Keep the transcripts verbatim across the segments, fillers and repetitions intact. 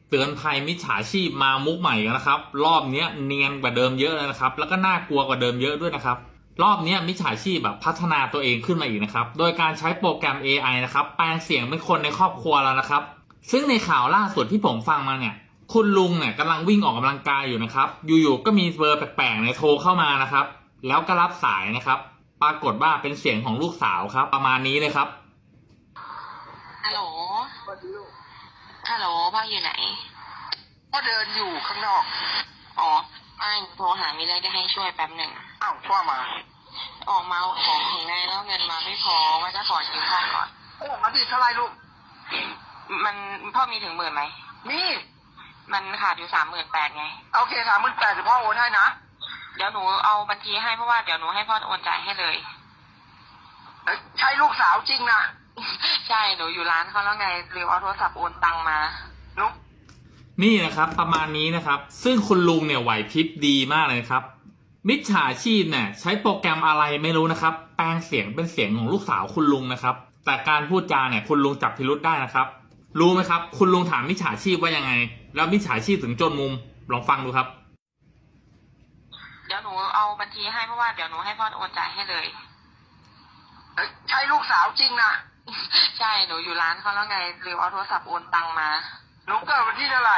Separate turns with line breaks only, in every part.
เตือนภัยมิจฉาชีพมามุกใหม่กันนะครับรอบนี้เนียนกว่าเดิมเยอะเลยนะครับแล้วก็น่ากลัวกว่าเดิมเยอะด้วยนะครับรอบนี้มิจฉาชีพแบบพัฒนาตัวเองขึ้นมาอีกนะครับโดยการใช้โปรแกรม เอ ไอ นะครับแปลงเสียงเป็นคนในครอบครัวแล้วนะครับซึ่งในข่าวล่าสุดที่ผมฟังมาเนี่ยคุณลุงเนี่ยกำลังวิ่งออกกำลังกายอยู่นะครับอยู่ๆก็มีเบอร์แปลกๆเนี่ยโทรเข้ามานะครับแล้วก็รับสายนะครับปรากฏว่าเป็นเสียงของลูกสาวครับประมาณนี้เลยครับ
ฮัลโหลฮัลโหลพ่ออยู่ไหน
พ่อเดินอยู่ข้างนอก
อ๋อไม่โทรหามีเรื่องจะให้ช่วยแป๊บหนึ่ง
อ้าวพ่อมา
ออกมาเอาของถึงไงแล้วเงินมาไม่พอว่าจะขอยืมพ่อก่อน
โอ้มาดิเท่าไรลูก
มันพ่อมีถึงหมื่นไหม
มี
มันขาดอยู่สามหมื่นแปดไง
โอเคสามหมื่นแปดเดี๋ยวพ่อโอนให้นะ
เดี๋ยวหนูเอาบัญชีให้เพราะว่าเดี๋ยวหนูให้พ่อโอนจ่ายให้เลย
เอ้ยใช่ลูกสาวจริงนะ
ใช่หนูอยู่ร้านเขาแล้วไงลืมเอาโทรศัพท์โอนตังมา
นุ๊ก
นี่นะครับประมาณนี้นะครับซึ่งคุณลุงเนี่ยไหวพริบดีมากเลยครับมิจฉาชีพเนี่ยใช้โปรแกรมอะไรไม่รู้นะครับแปลงเสียงเป็นเสียงของลูกสาวคุณลุงนะครับแต่การพูดจาเนี่ยคุณลุงจับพิรุธได้นะครับรู้ไหมครับคุณลุงถามมิจฉาชีพว่ายังไงแล้วมิจฉาชีพถึงจนมุมลองฟังดูครับ
เดี๋ยวหนูเอาบัญชีให้เพราะว่าเดี๋ยวหนูให้พ่อโอนจ่ายให้เลย
เอ้ยใช่ลูกสาวจริงนะ
ใช่หนูอยู่ร้านเขาแล้วไงลืมเอาโทรศัพท์โอนตังมา
นุ๊กเกิดวันที่เท่าไหร่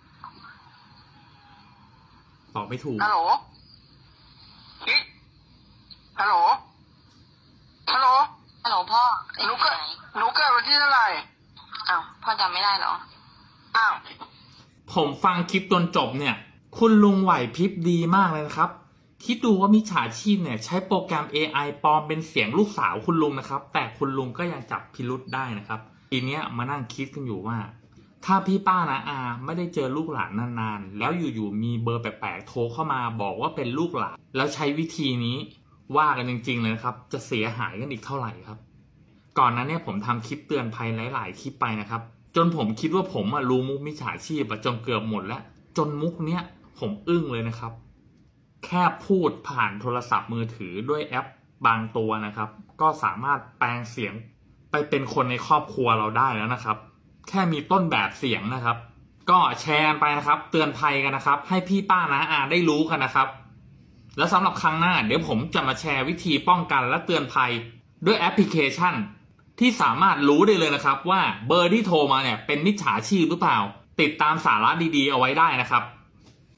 ตอบไม่ถูก
ฮัลโหลกิ๊กฮัลโหลฮัลโหล
ฮัลโหลพ่อ
หนู
ไอ้
เกิด
ไหน
หนูเกิดวันที่เท่าไหร่
อ้าวพ่อจำไม่ได้เหรอ
อ้าว
ผมฟังคลิปจนจบเนี่ยคุณลุงไหวพริบดีมากเลยนะครับคิดดูว่ามิจฉาชีพเนี่ยใช้โปรแกรม เอ ไอ ปลอมเป็นเสียงลูกสาวคุณลุงนะครับแต่คุณลุงก็ยังจับพิรุธได้นะครับทีเนี้ยมานั่งคิดกันอยู่ว่าถ้าพี่ป้านะอาไม่ได้เจอลูกหลานนานๆแล้วอยู่ๆมีเบอร์แปลกๆโทรเข้ามาบอกว่าเป็นลูกหลานแล้วใช้วิธีนี้ว่ากันจริงๆเลยนะครับจะเสียหายกันอีกเท่าไหร่ครับก่อนนั้นเนี่ยผมทำคลิปเตือนภัยหลายๆคลิปไปนะครับจนผมคิดว่าผมอะรู้มุกมิจฉาชีพจนเกือบหมดแล้วจนมุกเนี้ยผมอึ้งเลยนะครับแค่พูดผ่านโทรศัพท์มือถือด้วยแอปบางตัวนะครับก็สามารถแปลงเสียงไปเป็นคนในครอบครัวเราได้แล้วนะครับแค่มีต้นแบบเสียงนะครับก็แชร์กันไปนะครับเตือนภัยกันนะครับให้พี่ป้าน้าอาได้รู้กันนะครับแล้วสำหรับครั้งหน้าเดี๋ยวผมจะมาแชร์วิธีป้องกันและเตือนภัยด้วยแอปพลิเคชันที่สามารถรู้ได้เลยนะครับว่าเบอร์ที่โทรมาเนี่ยเป็นมิจฉาชีพหรือเปล่าติดตามสาระดีๆเอาไว้ได้นะครับ